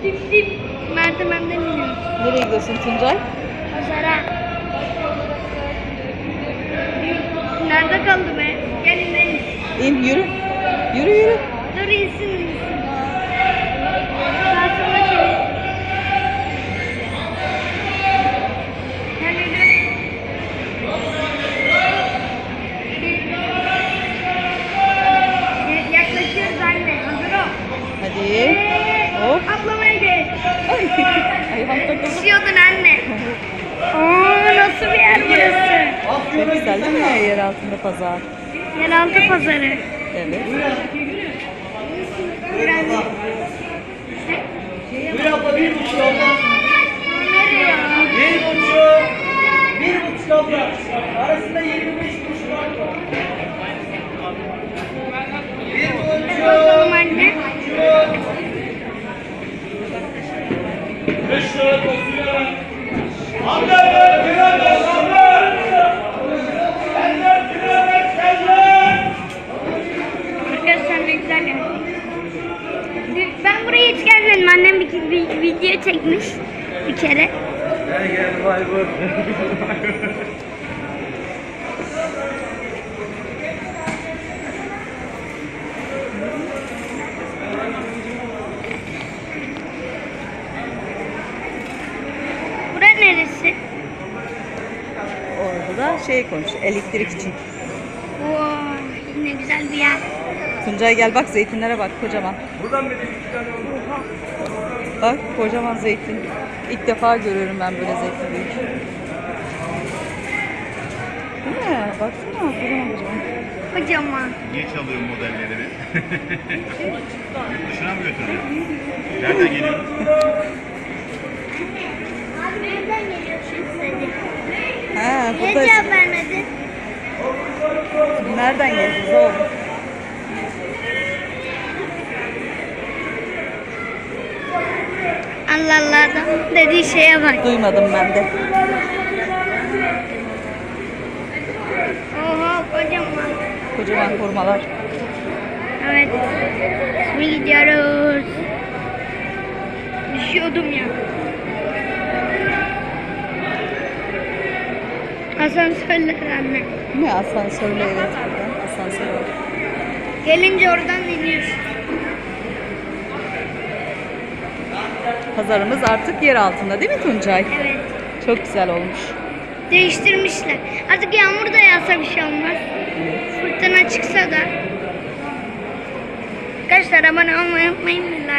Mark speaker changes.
Speaker 1: Dip dip merdivenden iniyoruz.
Speaker 2: Nereye gidiyorsun Tuncay?
Speaker 1: Pazara. Nerede kaldı be? Gelin gelin.
Speaker 2: İn yürü. Yürü yürü.
Speaker 1: Dur insin. Sağa sola çevir. Gel yürü. Yaklaşıyoruz anne. Hazır ol.
Speaker 2: Hadi. Hop.
Speaker 1: Atlamaya geç.
Speaker 2: Ay. Ayağım takıldı.
Speaker 1: Düşüyordun anne. Aa, nasıl bir yer burası?
Speaker 2: Çok güzel değil mi? Yer altında pazar.
Speaker 1: Yeraltı pazarı.
Speaker 2: Evet.
Speaker 3: Bir abla 1,5 abla.
Speaker 1: Nereye?
Speaker 3: 1,5 abla. Arasında 25 kuruş var.
Speaker 1: Bakalım anne.
Speaker 3: 5 lira fasulye. Abla kilo ver abla. Eller kilo ver eller.
Speaker 1: Arkadaşlar ne güzel yer. Ben buraya hiç gelmedim. Annem bir video çekmiş bir kere.
Speaker 3: Gel vay vay.
Speaker 1: Bura neresi?
Speaker 2: Orada da şey koymuş. Elektrik için.
Speaker 1: Oo, ne güzel bir yer.
Speaker 2: Tuncay gel bak zeytinlere bak kocaman.
Speaker 3: Buradan bir iki tane oldu.
Speaker 2: Bak kocaman zeytin. İlk defa görüyorum ben böyle zeytin büyük. Değil mi? Baksana kocaman kocaman.
Speaker 1: Kocaman.
Speaker 4: Niye çalıyor modelleri? Yurt dışına mı götürüyor? Nereden geliyor?
Speaker 1: Abi nereden geliyorsun sen?
Speaker 2: Ha,
Speaker 1: Niye
Speaker 2: burada
Speaker 1: cevap vermedin?
Speaker 2: nereden geldiniz oğlum?
Speaker 1: Allah Allah adam dediği şeye bak.
Speaker 2: Duymadım ben de.
Speaker 1: Oha kocaman.
Speaker 2: Kocaman hurmalar.
Speaker 1: Evet. Şimdi gidiyoruz. Düşüyordum ya. Asansörler anne.
Speaker 2: Değil mi? Asansörle evet buradan. Asansör var.
Speaker 1: Gelince oradan iniyoruz.
Speaker 2: Pazarımız artık yer altında değil mi Tuncay?
Speaker 1: Evet.
Speaker 2: Çok güzel olmuş.
Speaker 1: Değiştirmişler. Artık yağmur da yağsa bir şey olmaz. Fırtına çıksa da. Arkadaşlar abone olmayı unutmayın. Like